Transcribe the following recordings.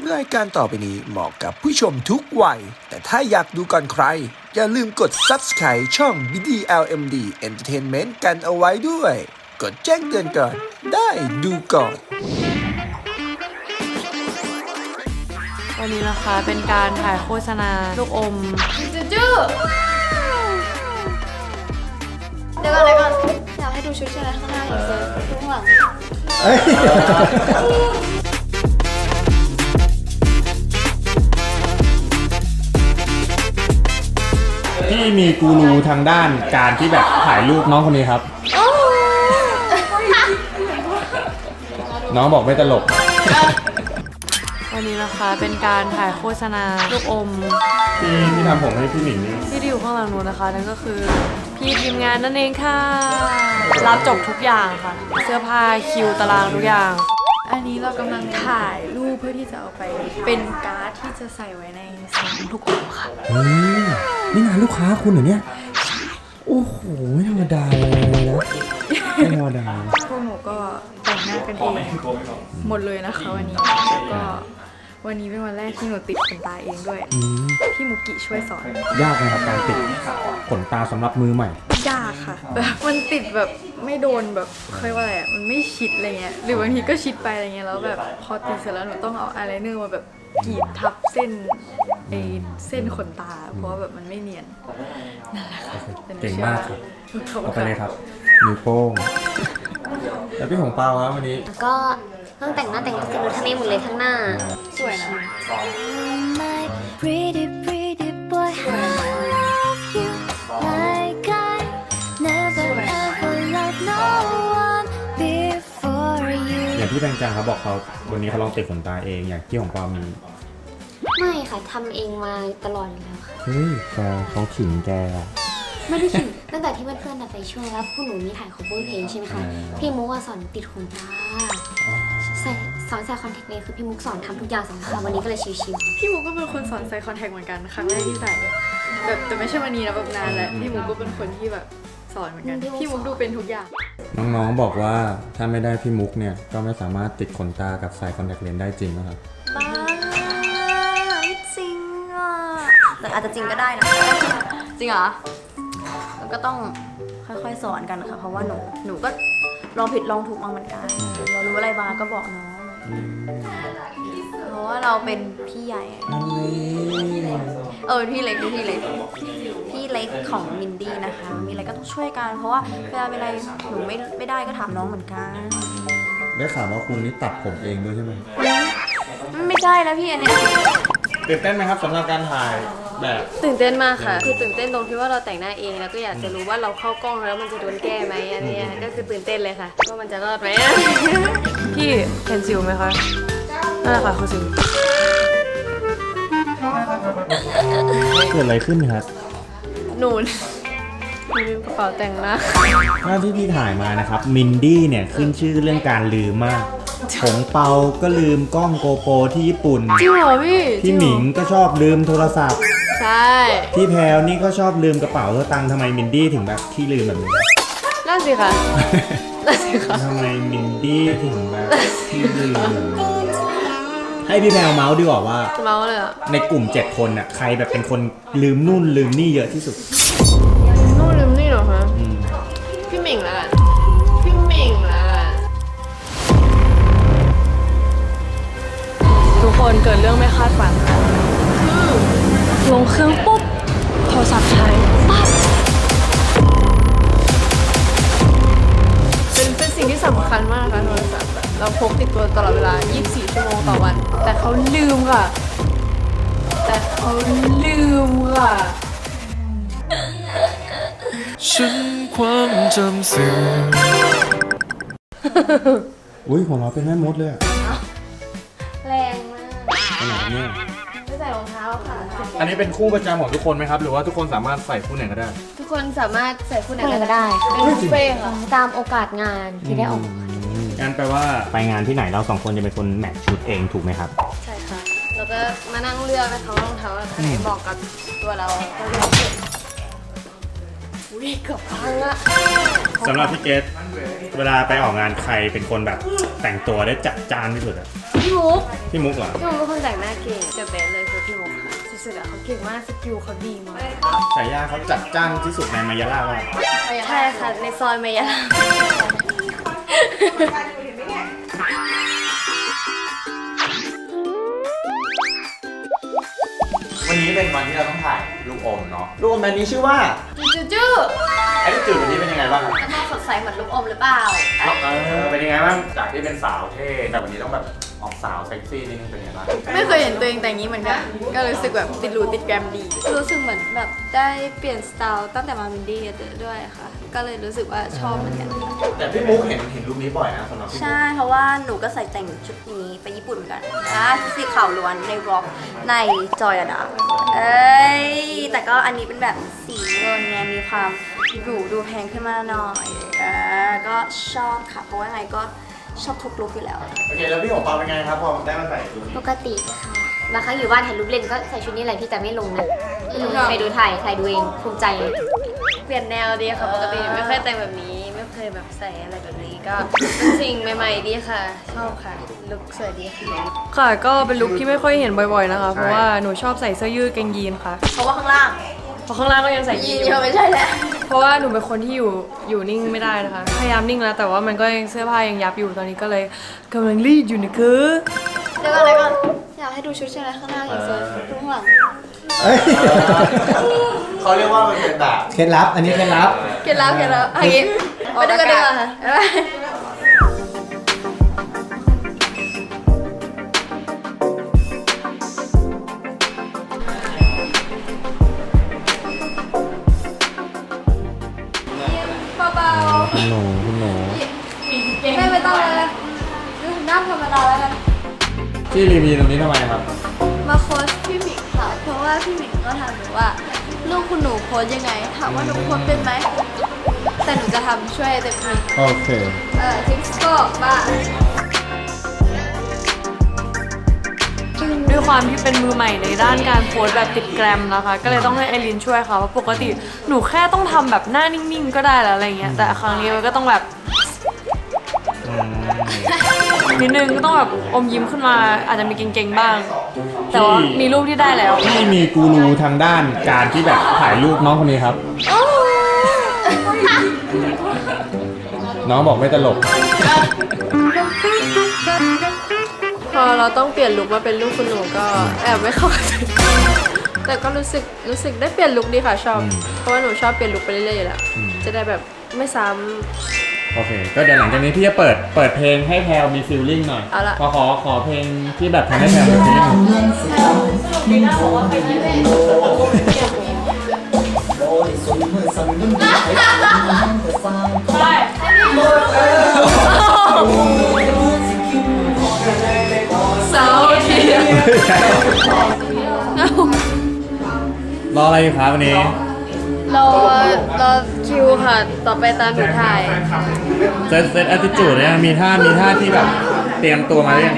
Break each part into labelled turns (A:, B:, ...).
A: รายการต่อไปนี้เหมาะกับผู้ชมทุกวัย แต่ถ้าอยากดูก่อนใคร อย่าลืมกด Subscribe ช่อง BDLMD Entertainment กันเอาไว้ด้วย กดแจ้งเตือนก่อน ได้ดูก่อน
B: วันนี้นะคะเป็นการถ่ายโฆษณาลูกอม
C: จื้อเดี๋ยวก่อนอยากให้ดูชุดใช่ไหมข้างหน้าอยู่เซิร์ฟข้างหลัง
D: พี่มีกูรูทางด้านการที่แบบถ่ายรูปน้องคนนี้ครับ น้องบอกไม่ตลก
B: วันนี้นะคะเป็นการถ่ายโฆษณาลูกอม
D: ที่ทำผมให้พี่หนิงนี่
B: ที่อยู่ข้างหลังนู้นนะคะนั่นก็คือพี่ทีมงานนั่นเองค่ะรับจบทุกอย่างค่ะ เสื้อผ้าคิวตารางทุกอย่าง
C: อันนี้เรากำลังถ่ายรูปเพื่อที่จะเอาไปเป็นการ์ดที่จะใส่ไว้ในซองลูกอมค่ะ
D: นี่งานลูกค้าคุณเหรอเนี่ยโอ้โหไม่ธรรมดาเลยนะไม่ธรรมดา
C: พวกหนูก็แต่งหน้ากันเองหมดเลยนะคะวันนี้แล้วก็วันนี้เป็นวันแรกที่หนูติดขนตาเองด้วยพี่มุกิช่วยสอน
D: ยากไหมครับการติดขนตาสำหรับมือใหม่
C: ยากค่ะแบบมันติดแบบไม่โดนแบบเคยว่าอะไรมันไม่ชิดอะไรเงี้ยหรือบางทีก็ชิดไปอะไรเงี้ยแล้วแบบพอติดเสร็จแล้วหนูต้องเอาอายไลเนอร์มาแบบกรีดทับเส้นขนตาเพราะว่าแบบมันไม่เนียนนั่นแหละค่ะ
D: เก่งมากครับเอาไปเลยครับนิ้วโป้งแล้วพี่ของเปาครับวันนี้
E: ก็ต้องแต่งหน้าแต่งตัวสีนูทะเลหมดเลยทั้งหน้า
C: สวยนะ
D: อย่างที่แบงจังเขาบอกเขาวันนี้เขาลองติดขนตาเองอย่างที่ของเปามี
E: ไม่ค่ะทำเองมาตลอดอยู่แล้วค่ะ
D: เฮ้ยแกเขาขิงแก
E: ไม่ได้ขิงตั้งแต่ที่เพื่อนๆไปช่วยแล้วพวกหนูมีถ่าย cover เพลงใช่ไหมคะพี่มุกสอนติดขนตาสอนใส่คอนแทคเลนส์คือพี่มุกสอนทำทุกอย่างสำคัญวันนี้ก็เลยชิว
C: ๆพี่มุกก็เป็นคนสอนใส่คอนแทคเหมือนกันครั้งแรกที่ใส่แบบแต่ไม่ใช่วันนี้นะแบบนานแล้วพี่มุกก็เป็นคนที่แบบสอนเหมือนกันพี่มุกดูเป็นทุกอย่าง
D: น้องๆบอกว่าถ้าไม่ได้พี่มุกเนี่ยก็ไม่สามารถติดขนตากับใส่คอนแทคเลนส์ได้จริงนะครับ
E: บ้าไม่จริงอ่ะแต่อาจจะจริงก็ได้นะ
C: จริงเหรอ
E: แล้วก็ต้องค่อยๆสอนกันนะคะเพราะว่าหนูก็ลองผิดลองถูกมาเหมือนกันเรารู้อะไรมาก็บอกน้องเพราะว่าเราเป็นพี่ใหญ่พี่เล็กพี่เล็กของมินดี้นะคะมีอะไรก็ต้องช่วยกันเพราะว่าเวลาเป็นอะไรหนูไม่ได้ก็ถามน้องเหมือนกัน
D: ได้ข่าวว่าคุณนี่ตัดผมเองด้วยใช่ไหม
E: ไม่ใช่แล้วพี่อันนี้
D: ตื่นเต้นไหมครับสำหรับการถ่ายแบบ
C: ตื่นเต้นมากค่ะคือตื่นเต้นตรงที่ว่าเราแต่งหน้าเองแล้วก็อยากจะรู้ว่าเราเข้ากล้องแล้วมันจะโดนแก้ไหมอันนี้ก็คือตื่นเต้นเลยค่ะว่ามันจะรอดไหม
B: พี่เห็นสิวไหมคะนั่นแหละค่ะคือสิว
D: เกิดอะไรขึ้นครับ
C: หนูลืมกระเป๋าแต่งหน้า
D: ที่พี่ถ่ายมานะครับมินดี้เนี่ยขึ้นชื่อเรื่องการลืมมากของเปาก็ลืมกล้องโกโปรที่ญี่ปุ่น
C: จริงเหรอพี่
D: หมิงก็ชอบลืมโทรศัพท์
C: ใช่
D: พี่แพลวนี่ก็ชอบลืมกระเป๋าตังค์ทำไมมินดี้ถึงแบบขี้ลืมแบบนี้
C: นั่นสิค่ะ
D: ทำไมมินดี้ถึงแบบขี้ลืมให้พี่แพลวเมาส์ดีกว่าว่า
C: เมาส์เลย
D: ในกลุ่ม7คนน่ะใครแบบเป็นคนลืมนู่นลืมนี่เยอะที่สุด
C: นู่นลืมนี่เหรอคะพี่หมิงละ
B: ทุกคนเกิดเรื่องไม่คาดฝันลงเครื่องปุ๊บโทรศัพท์หายปั๊บ
C: เป็นสิ่งที่สำคัญมากนะคะโทรศัพท์เราพกติดตัวตลอดเวลา24 ชั่วโมงต่อวันแต่เขาลืมค่ะ
A: ฉันความจำเสื่อม
D: อุ้ยของเราเป็นแม่มดเลย
E: แรงมาก
D: ขนาดนี้
E: ไม่ใส่รองเท้าค่ะ
D: อันนี้เป็นคู่ประจำของทุกคนไหมครับหรือว่าทุกคนสามารถใส่คู่ไหนก็ได้
C: ทุกคนสามารถใส่คู่ไหนก็
E: ได้
C: เป็นบุฟเฟ่ค่ะ
E: ตามโอกาสงานที่ได้ออก
D: งั้นแปลว่าไปงานที่ไหนเรา2คนจะเป็นคนแมทชุดเองถูกไหมครับ
C: ใช่ค่ะแล้วก็มานั่งเลือกนะคะว่ารองเท้าอะไรเหมาะกับตัวเรา
B: อุ้ยเกือบพังอะ
D: สำหรับพี่เกดเวลาไปออกงานใครเป็นคนแบบแต่งตัวได้จัดจ้านที่สุดอะ
B: พี่มุก
D: พี่มุกเหรอ
B: พี่มุกเป็นคนแต่งหน้าเก่งเดอะเบสเลยคือพี่มุกค่ะสุดๆอะเขาเก่งมากสกิลเขาดีมาก
D: ฉายาเขาจัดจ้านที่สุดในมายาล่าว่า
B: ใช่ค่ะในซอยเมยา
F: วันนี้เป็นวันที่เราต้องถ่ายลูกอมเนาะลูกอมแบรนด์นี้ชื่อว่า
B: จู้
F: ไอ้ลูกจืดวันนี้เป็นยังไงบ้างครับ
B: มันต้องสดใสเหมือนลูกอมหรือเปล่า
F: เป็นยังไงบ้างจากที่เป็นสาวเท่แต่วันนี้ต้องแบบออกสาวเซ็กซี่นิดนึงเป็นยังไงบ้าง
C: ไม่เคยเห็นตัวเองแต่งนี้เหมือนกัน ก็รู้สึกแบบติดหรูติดแกรมดี
G: รู้สึกเหมือนแบบได้เปลี่ยนสไตล์ตั้งแต่มามินดี้ด้วยค่ะ ก็เลยรู้สึกว่าชอบเหมือนกัน
F: แต่พี่มุกเห็นลูกนี้บ่อยนะสำหรับพี่มุก
G: ใช่ เพราะว่าหนูก็ใส่แต่งชุดนี้ไปญี่ปุ่นเหมือนกันชุดสีขาวล้วนในวอล์กในจอยดาแต่ก็อันนี้เป็นแบบสีเงินไงมีความหรูดูแพงขึ้นมาหน่อยก็ชอบค่ะ เพราะว่าไงก็ชอบทุกลุคอยู่แล้ว
F: โอเคแล้วพี่ของเปาเป็นไงครับพอได้มาใส่ชุดนี้
E: ปกติค่ะบางครั้งอยู่บ้านถ่ายรูปเล่นก็ใส่ชุดนี้แหละพี่แต่ไม่ลงนะไม่ลงใครดูถ่ายดูเองภูมิใจ
B: เปลี่ยนแนวดีค่ะปกติไม่เคยแต่งแบบนี้ไม่เคยแบบใส่อะไรแบบนี้ก็เป็นสิ่งใหม่ๆดีค่ะ ชอบค่ะลุคสวยดีค่ะค่ะก็เป็นลุคที่ไม่ค่อยเห็นบ่อยๆนะคะเพราะว่าหนูชอบใส่เสื้อยืดกางยีนค่ะ
G: เพราะว่าข้างล่าง
B: เพราะข้างล่างก็ยังใส่ยีนอยู่
G: ไม่ใช่แล้ว
B: เพราะว่าหนูเป็นคนที่อยู่นิ่งไม่ได้นะคะ พยายามนิ่งแล้วแต่ว่ามันก็ยังเสื้อผ้ายังยับอยู่ตอนนี้ก็เลยกำลังรีดอยู่นะคือ
G: เดี๋ยวก่อนอยากให้ดูชุดใช่ไหมข้างหน้าอย่างสวยดูข้างหลัง
D: เอ้ย
F: เขาเรียกว่ามันเป็นแบบ
D: เคล็ดลับ อันนี้เคล็ดลับ
G: เคล็ดลับอันนี้ไปดูกันดีกว่าค่ะ
D: คุณหนูคุณหนู
G: ไม่ต้องเลยนั่งธรรมดาแล้วกัน
D: ที่รีวิวตรงนี้ทำไมครับ
G: มาโค้ชพี่หมิงค่ะ เพราะว่าพี่หมิงก็ถามหนูว่าลูกคุณหนูโค้ชยังไง ถามว่าหนูโค้ชเป็นไหม แต่หนูจะทำช่วยเต็มที่
D: โอเค
G: ทิปส์ก็บ้า
B: ด้วยความที่เป็นมือใหม่ในด้านการโพสต์แบบติดแกรมนะคะ ก็เลยต้องให้ไอรินช่วยค่ะเพราะปกติหนูแค่ต้องทำแบบหน้านิ่งๆก็ได้แล้วอะไรเงี้ยแต่ครั้งนี้มันก็ต้องแบบนิดนึงก็ต้องแบบอมยิ้มขึ้นมาอาจจะมีเก่งๆบ้าง แต่ว่ามีรูปที่ได้แล้ว
D: ที่มีกูรูทางด้านการที่แบบถ่ายรูปน้องคนนี้ครับ น้องบอกไม่ตลก
C: พอเราต้องเปลี่ยนลุคมาเป็นลูกคุณหนูก็แอบไม่เข้ากันแต่ก็รู้สึกได้เปลี่ยนลุคดีค่ะชอบ เพราะว่าหนูชอบเปลี่ยนลุคไปเรื่อยๆอยู่แล้วจะได้แบบไม่ซ้
D: โอเค ก็เดี๋ยวหลังจากนี้พี่จะเปิดเพลงให้แพลวมีฟีลลิ่งหน่อย
C: เอาละ
D: ขอเพลงที่แบบทำให้แพลวมีฟีลลิ่ง รออะไรอยู่ครับวันนี้
C: ำรอคิวค่ะ ต่อไปตามหนูถ่าย
D: เซตแอตติจูดเนี่ยมีท่าที่แบบเตรียมตัวมาเรื่อง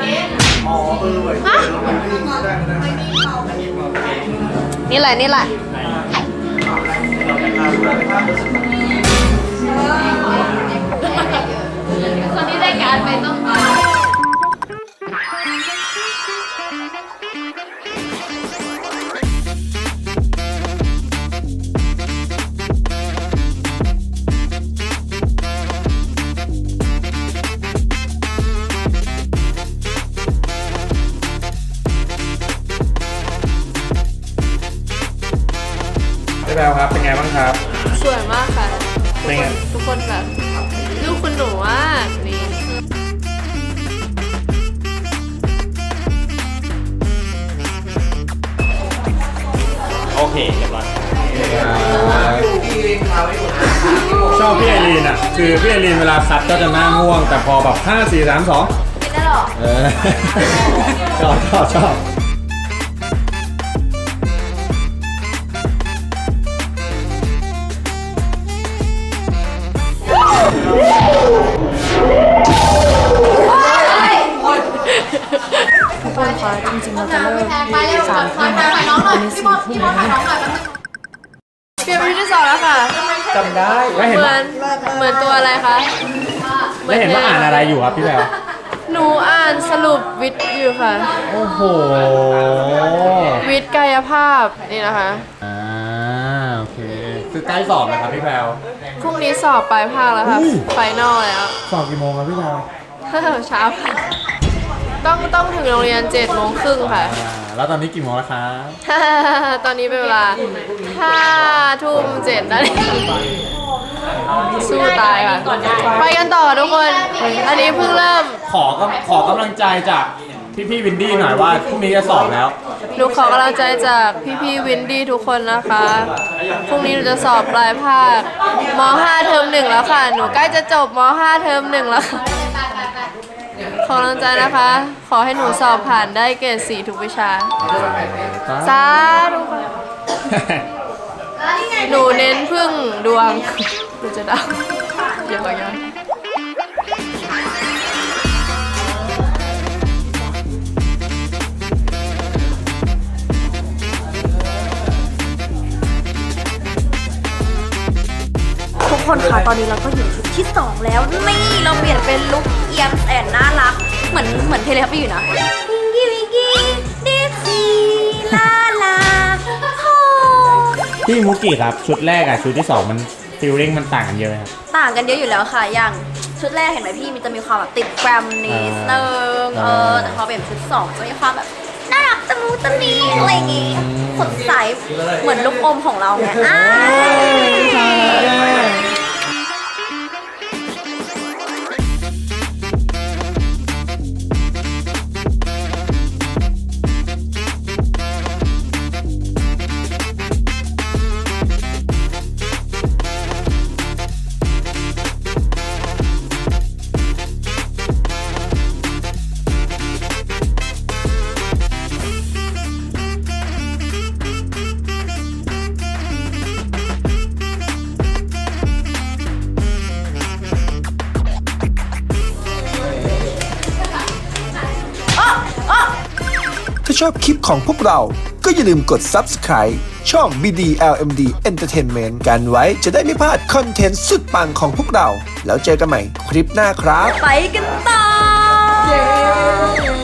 C: นี่แหละคนที่ได้การไปต้อง
D: พี่แพลวครับ เป็นไงบ้างครับ
C: สวยมากค่ะ
D: เป็นไง
C: ทุกคนแบบลูกคุณหนูมากนี่
D: โอเคเรียบร้อยชอบพี่ไอรีนอ่ะ คือพี่ไอรีนเวลาคัดก็จะหน้าง่วง แต่พอแบบ 5 4 3 2
G: ไม่ได้หรอ
D: เออ ชอบ
B: ทุกคนคะจริงๆเราจะเลิก
G: ไปเร็ว
B: 3 ทุ่ม
G: ถ่ายน้องหน่อย
B: อันนี้
G: พี่
B: 4
G: บอล
B: ทุ่ม
G: ถ่ายน้องหน่อย
C: เปลี่ยนไปที่
B: สอบแล้วค่ะ
D: จำได้แล้วเห็น
B: เหมื
D: ว่า
B: อนเหมือนตัวอะไรคะ
D: แล้วเห็นว่าอ่านอะไรอยู่ครับพี่แพลว
B: หนูอ่านสรุปวิทย์อยู่ค่ะ
D: โอ้โห
B: วิทย์กายภาพนี่นะคะ
D: โอเคคือใกล้สอบแล้วครับพี่แพลว
B: พรุ่งนี้สอบปลายภาคแล้วค่ะ
D: อุ้ย
B: ไฟนอลแล้ว
D: สอบกี่โมงครับพี่แพลว
B: เช้าค่ะต้องถึงโรงเรียน7:30ค่ะ
D: แล้วตอนนี้กี่โมงแล้วครับ
B: ตอนนี้เป็นเวลา5:07นาทีสู้ตายค่ะ ไปกันต่อทุกคน อันนี้เพิ่งเริ่ม
D: ขอกำลังใจจากพี่วินดี้หน่อยว่าพรุ่งนี้จะสอบแล้ว
B: หนูขอกำลังใจจากพี่ๆวินดี้ทุกคนนะคะ พรุ่งนี้หนูจะสอบปลายภาคม.5 เทอม1แล้วค่ะ หนูใกล้จะจบม.5 เทอม1แล้วค่ะ ขอกำลังใจนะคะ ขอให้หนูสอบผ่านได้เกรด4ทุกวิชา สาธุค่ะ หนูเน้นพึ่งดวง หนูจะดังเดี๋ยวก่อน
G: ทุกคนคะตอนนี้เราก็อยู่ชุดที่ 2 แล้ว นี่เราเปลี่ยนเป็นลุคเอียมแอนน่ารัก เหมือนเพลย์ครับอยู่นะวิงกี้วิงกี้ดิซี่ลาลาโฮ
D: พี่มุกิครับชุดแรกกับชุดที่ 2 มันฟีลลิ่งมันต่างกันเยอะไหมครับ
G: ต่างกันเยอะอยู่แล้วค่ะ อย่างชุดแรกเห็นไหมพี่มันจะมีความแบบติดแกรมนิดนึงแต่พอเป็นชุด 2 จะมีความแบบน่ารักตะมูตะมีอะไรอย่างงี้สดใสเหมือนลูกอมของเราไง
A: ถ้าชอบคลิปของพวกเรา ก็อย่าลืมกด Subscribe ช่อง BDLMD Entertainment กันไว้จะได้ไม่พลาดคอนเทนต์สุดปังของพวกเรา แล้วเจอกันใหม่คลิปหน้าครับ
G: ไปกันต่อ